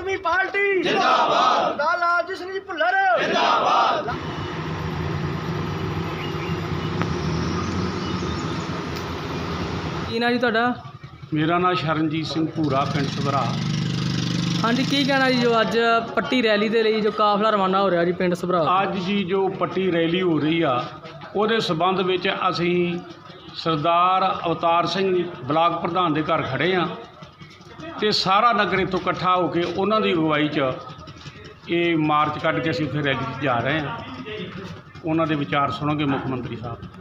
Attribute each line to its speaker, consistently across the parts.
Speaker 1: ਆਦਮੀ party ਜਿੰਦਾਬਾਦ। ਸਰਦਾਰ ਲਾਲਜੀਤ ਸਿੰਘ ਜੀ ਭੁੱਲਰ ਜਿੰਦਾਬਾਦ।
Speaker 2: ਕੀ ਨਾਂ ਜੀ ਤੁਹਾਡਾ?
Speaker 3: ਮੇਰਾ ਨਾਮ ਸ਼ਰਨਜੀਤ ਸਿੰਘ ਭੂਰਾ, ਪਿੰਡ ਸਭਰਾ।
Speaker 2: ਹਾਂਜੀ, ਕੀ ਕਹਿਣਾ ਜੀ ਜੋ ਅੱਜ ਪੱਟੀ ਰੈਲੀ ਦੇ ਲਈ ਜੋ ਕਾਫਲਾ ਰਵਾਨਾ ਹੋ ਰਿਹਾ ਜੀ ਪਿੰਡ ਸਭਰਾ?
Speaker 3: ਅੱਜ ਜੀ ਜੋ ਪੱਟੀ ਰੈਲੀ ਹੋ ਰਹੀ ਆ ਉਹਦੇ ਸਬੰਧ ਵਿੱਚ ਅਸੀਂ ਸਰਦਾਰ ਅਵਤਾਰ ਸਿੰਘ ਬਲਾਕ ਪ੍ਰਧਾਨ ਦੇ ਘਰ ਖੜ੍ਹੇ ਆ ਤੇ ਸਾਰਾ ਨਗਰ ਇੱਥੋਂ ਇਕੱਠਾ ਹੋ ਕੇ ਉਹਨਾਂ ਦੀ ਅਗਵਾਈ 'ਚ ਇਹ ਮਾਰਚ ਕੱਢ ਕੇ ਅਸੀਂ ਉੱਥੇ ਰੈਲੀ 'ਚ ਜਾ ਰਹੇ ਹਾਂ। ਉਹਨਾਂ ਦੇ ਵਿਚਾਰ ਸੁਣੋਗੇ ਮੁੱਖ ਮੰਤਰੀ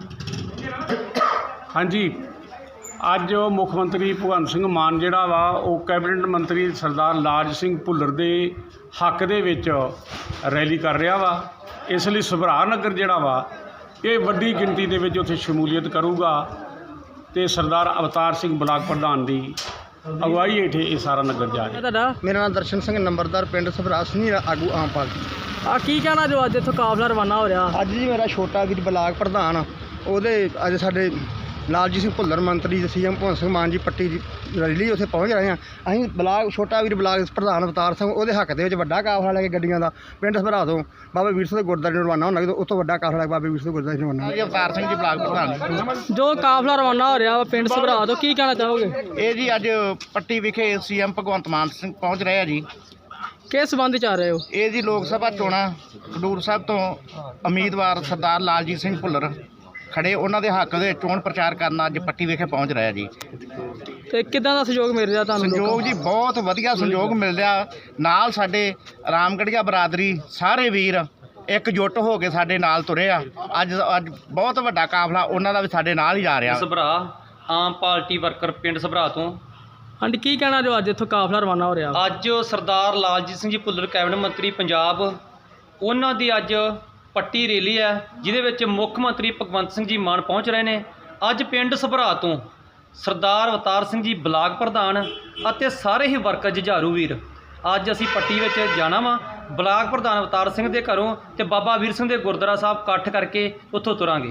Speaker 3: ਸਾਹਿਬ। ਹਾਂਜੀ, ਅੱਜ ਮੁੱਖ ਮੰਤਰੀ ਭਗਵੰਤ ਸਿੰਘ ਮਾਨ ਜਿਹੜਾ ਵਾ ਉਹ ਕੈਬਨਿਟ ਮੰਤਰੀ ਸਰਦਾਰ ਲਾਲਜੀਤ ਸਿੰਘ ਭੁੱਲਰ ਦੇ ਹੱਕ ਦੇ ਵਿੱਚ ਰੈਲੀ ਕਰ ਰਿਹਾ ਵਾ। ਇਸ ਲਈ ਸਭਰਾ ਨਗਰ ਜਿਹੜਾ ਵਾ ਇਹ ਵੱਡੀ ਗਿਣਤੀ ਦੇ ਵਿੱਚ ਉੱਥੇ ਸ਼ਮੂਲੀਅਤ ਕਰੂਗਾ ਤੇ ਸਰਦਾਰ ਅਵਤਾਰ ਸਿੰਘ ਬਲਾਕ ਪ੍ਰਧਾਨ ਦੀ ਅਗਵਾਈ ਹੇਠ ਇਹ ਸਾਰਾ ਨਗਰ ਜਾ ਰਿਹਾ।
Speaker 2: ਤੁਹਾਡਾ?
Speaker 1: ਮੇਰਾ ਨਾਮ ਦਰਸ਼ਨ ਸਿੰਘ, ਨੰਬਰਦਾਰ, ਪਿੰਡ ਸਭਰਾ, ਸੀਨੀਅਰ ਆਗੂ ਆਮ ਪਾਰਟੀ।
Speaker 2: ਆ ਕੀ ਕਹਿਣਾ ਜੋ ਅੱਜ ਇੱਥੋਂ ਕਾਫਲਾ ਰਵਾਨਾ ਹੋ ਰਿਹਾ?
Speaker 1: ਅੱਜ ਜੀ ਮੇਰਾ ਛੋਟਾ ਵੀਰ ਬਲਾਕ ਪ੍ਰਧਾਨ ਉਹਦੇ ਅੱਜ ਸਾਡੇ ਲਾਲਜੀਤ ਸਿੰਘ ਭੁੱਲਰ ਮੰਤਰੀ ਸੀਐਮ ਭਗਵੰਤ ਸਿੰਘ ਮਾਨ ਜੀ ਪੱਟੀ ਦੀ ਰੈਲੀ ਉੱਥੇ ਪਹੁੰਚ ਰਹੇ ਹਾਂ। ਅਸੀਂ ਬਲਾਕ ਛੋਟਾ ਵੀਰ ਬਲਾਕ ਪ੍ਰਧਾਨ ਅਵਤਾਰ ਸਿੰਘ ਉਹਦੇ ਹੱਕ ਦੇ ਵਿੱਚ ਵੱਡਾ ਕਾਫਲਾ ਲੈ ਕੇ ਗੱਡੀਆਂ ਦਾ ਪਿੰਡ ਸਭਰਾ ਤੋਂ ਬਾਬਾ ਵੀਰ ਸਿੰਘ ਦੇ ਗੁਰਦੁਆਰੇ ਨੂੰ ਰਵਾਨਾ ਹੋਣਾ। ਉਸ ਤੋਂ ਵੱਡਾ ਕਾਫਲਾ ਬਾਬਾ ਵੀਰ ਸਿੰਘ ਦੇ ਗੁਰਦੁਆਰੇ ਨੂੰ ਰਵਾਨਾ।
Speaker 4: ਅਵਤਾਰ ਸਿੰਘ ਜੀ ਬਲਾਕ ਪ੍ਰਧਾਨ।
Speaker 2: ਜੋ ਕਾਫਲਾ ਰਵਾਨਾ ਹੋ ਰਿਹਾ ਵਾ ਪਿੰਡ ਸਭਰਾ ਤੋਂ, ਕੀ ਕਹਿਣਾ ਚਾਹੋਗੇ?
Speaker 4: ਇਹ ਜੀ ਅੱਜ ਪੱਟੀ ਵਿਖੇ ਸੀਐਮ ਭਗਵੰਤ ਮਾਨ ਸਿੰਘ ਪਹੁੰਚ ਰਹੇ ਆ ਜੀ।
Speaker 2: ਕਿਸ ਸੰਬੰਧ ਚ ਆ ਰਹੇ ਹੋ?
Speaker 4: ਇਹ ਜੀ ਲੋਕ ਸਭਾ ਚੋਣਾਂ ਖਡੂਰ ਸਾਹਿਬ ਤੋਂ ਉਮੀਦਵਾਰ ਸਰਦਾਰ ਲਾਲਜੀਤ ਸਿੰਘ ਭੁੱਲਰ ਖੜੇ, ਉਹਨਾਂ ਦੇ ਹੱਕ ਦੇ ਚੋਣ ਪ੍ਰਚਾਰ ਕਰਨ ਅੱਜ ਪੱਟੀ ਵਿਖੇ ਪਹੁੰਚ ਰਿਹਾ ਜੀ।
Speaker 2: ਤੇ ਕਿੱਦਾਂ ਦਾ ਸਹਿਯੋਗ ਮਿਲ ਰਿਹਾ ਤੁਹਾਨੂੰ?
Speaker 4: ਸੰਯੋਗ ਜੀ ਬਹੁਤ ਵਧੀਆ ਸੰਯੋਗ ਮਿਲ ਰਿਹਾ। ਨਾਲ ਸਾਡੇ ਰਾਮਗੜੀਆ ਬਰਾਦਰੀ ਸਾਰੇ ਵੀਰ ਇਕਜੁੱਟ ਹੋ ਕੇ ਸਾਡੇ ਨਾਲ ਤੁਰੇ ਆ। ਅੱਜ ਬਹੁਤ ਵੱਡਾ ਕਾਫਲਾ ਉਹਨਾਂ ਦਾ ਵੀ ਸਾਡੇ ਨਾਲ ਹੀ ਜਾ ਰਿਹਾ।
Speaker 5: ਸਭਰਾ ਆਮ ਪਾਰਟੀ ਵਰਕਰ ਪਿੰਡ ਸਭਰਾ ਤੋਂ।
Speaker 2: ਹਾਂਜੀ, ਕੀ ਕਹਿਣਾ ਜੋ ਅੱਜ ਇੱਥੋਂ ਕਾਫਲਾ ਰਵਾਨਾ ਹੋ ਰਿਹਾ?
Speaker 5: ਅੱਜ ਸਰਦਾਰ ਲਾਲਜੀਤ ਸਿੰਘ ਜੀ ਭੁੱਲਰ ਕੈਬਨਿਟ ਮੰਤਰੀ ਪੰਜਾਬ, ਉਹਨਾਂ ਦੀ ਅੱਜ ਪੱਟੀ ਰੈਲੀ ਹੈ ਜਿਹਦੇ ਵਿੱਚ ਮੁੱਖ ਮੰਤਰੀ ਭਗਵੰਤ ਸਿੰਘ ਜੀ ਮਾਨ ਪਹੁੰਚ ਰਹੇ ਨੇ। ਅੱਜ ਪਿੰਡ ਸਭਰਾ ਤੋਂ ਸਰਦਾਰ ਅਵਤਾਰ ਸਿੰਘ ਜੀ ਬਲਾਕ ਪ੍ਰਧਾਨ ਅਤੇ ਸਾਰੇ ਹੀ ਵਰਕਰ ਜੁਝਾਰੂ ਵੀਰ ਅੱਜ ਅਸੀਂ ਪੱਟੀ ਵਿੱਚ ਜਾਣਾ ਵਾ। ਬਲਾਕ ਪ੍ਰਧਾਨ ਅਵਤਾਰ ਸਿੰਘ ਦੇ ਘਰੋਂ ਤੇ ਬਾਬਾ ਵੀਰ ਸਿੰਘ ਦੇ ਗੁਰਦੁਆਰਾ ਸਾਹਿਬ ਇਕੱਠ ਕਰਕੇ ਉੱਥੋਂ ਤੁਰਾਂਗੇ।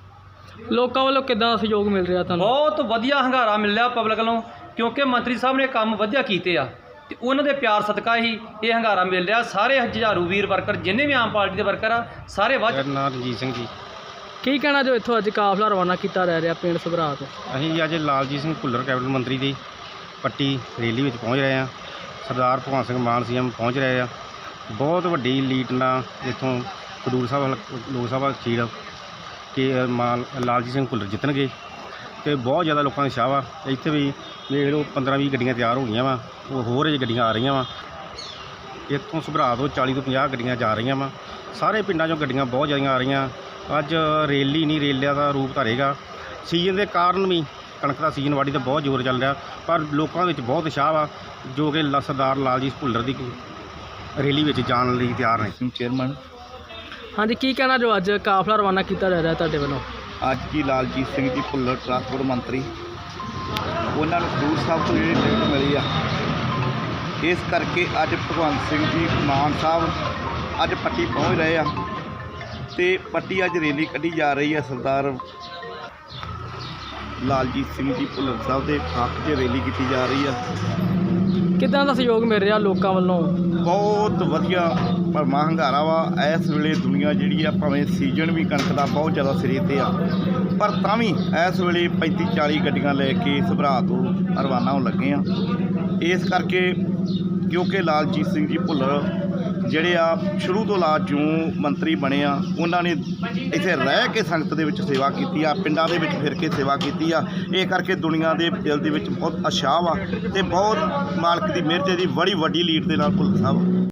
Speaker 2: ਲੋਕਾਂ ਵੱਲੋਂ ਕਿੱਦਾਂ ਦਾ ਸਹਿਯੋਗ ਮਿਲ ਰਿਹਾ ਤੁਹਾਨੂੰ?
Speaker 5: ਬਹੁਤ ਵਧੀਆ ਹੰਗਾਰਾ ਮਿਲਿਆ ਪਬਲਿਕ ਵੱਲੋਂ, ਕਿਉਂਕਿ ਮੰਤਰੀ ਸਾਹਿਬ ਨੇ ਕੰਮ ਵਧੀਆ ਕੀਤੇ ਆ ਤੇ ਉਹਨਾਂ ਦੇ ਪਿਆਰ ਸਦਕਾ ਹੀ ਇਹ ਹੰਗਾਰਾ ਮਿਲ ਰਿਹਾ। ਸਾਰੇ ਜੁਝਾਰੂ ਵੀਰ ਵਰਕਰ ਜਿੰਨੇ ਵੀ ਆਮ ਪਾਰਟੀ ਦੇ ਵਰਕਰ ਆ ਸਾਰੇ ਵੱਧ।
Speaker 3: ਮੇਰਾ ਨਾਮ ਰਣਜੀਤ ਸਿੰਘ ਜੀ।
Speaker 2: ਕੀ ਕਹਿਣਾ ਜੋ ਇੱਥੋਂ ਅੱਜ ਕਾਫਲਾ ਰਵਾਨਾ ਕੀਤਾ ਰਹਿ ਰਿਹਾ ਪਿੰਡ ਸਭਰਾ ਤੋਂ?
Speaker 3: ਅਸੀਂ ਅੱਜ ਲਾਲਜੀਤ ਸਿੰਘ ਭੁੱਲਰ ਕੈਬਨਿਟ ਮੰਤਰੀ ਦੀ ਪੱਟੀ ਰੈਲੀ ਵਿੱਚ ਪਹੁੰਚ ਰਹੇ ਹਾਂ। ਸਰਦਾਰ ਭਗਵੰਤ ਸਿੰਘ ਮਾਨ ਸੀਐਮ ਪਹੁੰਚ ਰਹੇ ਆ। ਬਹੁਤ ਵੱਡੀ ਲੀਡ ਨਾਲ ਇੱਥੋਂ ਖਡੂਰ ਸਾਹਿਬ ਲੋਕ ਸਭਾ ਸੀਟ ਕਿ ਲਾਲਜੀਤ ਸਿੰਘ ਭੁੱਲਰ ਜਿੱਤਣਗੇ ਅਤੇ ਬਹੁਤ ਜ਼ਿਆਦਾ ਲੋਕਾਂ ਦਾ ਉਤਸ਼ਾਹ ਵਾ। ਇੱਥੇ ਵੀ ਵੇਖ ਲਓ 15-20 ਗੱਡੀਆਂ ਤਿਆਰ ਹੋ ਗਈਆਂ ਵਾ, ਉਹ ਹੋਰ ਅਜੇ ਗੱਡੀਆਂ ਆ ਰਹੀਆਂ ਵਾ। ਇੱਥੋਂ ਸਭਰਾ ਤੋਂ 40 ਤੋਂ 50 ਗੱਡੀਆਂ ਜਾ ਰਹੀਆਂ ਵਾ। ਸਾਰੇ ਪਿੰਡਾਂ 'ਚੋਂ ਗੱਡੀਆਂ ਬਹੁਤ ਜ਼ਿਆਦਾ ਆ ਰਹੀਆਂ। ਅੱਜ ਰੈਲੀ ਨਹੀਂ ਰੈਲੀਆਂ ਦਾ ਰੂਪ ਧਾਰੇਗਾ। ਸੀਜ਼ਨ ਦੇ ਕਾਰਨ ਵੀ ਕਣਕ ਦਾ ਸੀਜ਼ਨ ਵਾਢੀ ਦਾ ਬਹੁਤ ਜ਼ੋਰ ਚੱਲ ਰਿਹਾ, ਪਰ ਲੋਕਾਂ ਵਿੱਚ ਬਹੁਤ ਉਤਸ਼ਾਹ ਵਾ ਜੋ ਕਿ ਸਰਦਾਰ ਲਾਲਜੀਤ ਭੁੱਲਰ ਦੀ ਰੈਲੀ ਵਿੱਚ ਜਾਣ ਲਈ ਤਿਆਰ ਨੇ।
Speaker 4: ਚੇਅਰਮੈਨ
Speaker 2: ਹਾਂਜੀ, ਕੀ ਕਹਿਣਾ ਜੋ ਅੱਜ ਕਾਫਲਾ ਰਵਾਨਾ ਕੀਤਾ ਜਾ ਰਿਹਾ ਤੁਹਾਡੇ ਵੱਲੋਂ?
Speaker 4: ਅੱਜ ਜੀ ਲਾਲਜੀਤ ਸਿੰਘ ਜੀ ਭੁੱਲਰ ਟਰਾਂਸਪੋਰਟ ਮੰਤਰੀ, ਉਹਨਾਂ ਨੂੰ ਖਡੂਰ ਸਾਹਿਬ ਤੋਂ ਜਿਹੜੀ ਟਿਕਟ ਮਿਲੀ ਆ, ਇਸ ਕਰਕੇ ਅੱਜ ਭਗਵੰਤ ਸਿੰਘ ਜੀ ਮਾਨ ਸਾਹਿਬ ਅੱਜ ਪੱਟੀ ਪਹੁੰਚ ਰਹੇ ਆ ਤੇ ਪੱਟੀ ਅੱਜ ਰੈਲੀ ਕੱਢੀ ਜਾ ਰਹੀ ਹੈ। ਸਰਦਾਰ ਲਾਲਜੀਤ ਸਿੰਘ ਜੀ ਭੁੱਲਰ ਸਾਹਿਬ ਦੇ ਹੱਕ 'ਚ ਰੈਲੀ ਕੀਤੀ ਜਾ ਰਹੀ ਆ।
Speaker 2: ਕਿੱਦਾਂ ਦਾ ਸਹਿਯੋਗ ਮਿਲ ਰਿਹਾ ਲੋਕਾਂ ਵੱਲੋਂ?
Speaker 4: ਬਹੁਤ ਵਧੀਆ ਭਰਮਾ ਹੰਗਾਰਾ ਵਾ। ਇਸ ਵੇਲੇ ਦੁਨੀਆ ਜਿਹੜੀ ਆ, ਭਾਵੇਂ ਸੀਜ਼ਨ ਵੀ ਕਣਕ ਦਾ ਬਹੁਤ ਜ਼ਿਆਦਾ ਸਿਰੇ 'ਤੇ ਆ, ਪਰ ਤਾਂ ਵੀ ਇਸ ਵੇਲੇ 35-40 ਗੱਡੀਆਂ ਲੈ ਕੇ ਸਭਰਾ ਤੋਂ ਰਵਾਨਾ ਹੋਣ ਲੱਗੇ ਆ। ਇਸ ਕਰਕੇ ਕਿਉਂਕਿ ਲਾਲਜੀਤ ਸਿੰਘ ਜੀ ਭੁੱਲਰ ਜਿਹੜੇ ਆ ਸ਼ੁਰੂ ਤੋਂ ਜਿਉਂ ਮੰਤਰੀ ਬਣੇ ਆ, ਉਹਨਾਂ ਨੇ ਇੱਥੇ ਰਹਿ ਕੇ ਸੰਗਤ ਦੇ ਵਿੱਚ ਸੇਵਾ ਕੀਤੀ ਆ, ਪਿੰਡਾਂ ਦੇ ਵਿੱਚ ਫਿਰ ਕੇ ਸੇਵਾ ਕੀਤੀ ਆ। ਇਹ ਕਰਕੇ ਦੁਨੀਆ ਦੇ ਦਿਲ ਦੇ ਵਿੱਚ ਬਹੁਤ ਉਤਸ਼ਾਹ ਵਾ ਤੇ ਬਹੁਤ ਮਾਲਕ ਦੀ ਮਿਹਰ ਦੀ ਬੜੀ ਵੱਡੀ ਲੀਡ ਦੇ ਨਾਲ ਭੁੱਲਰ ਸਾਹਿਬ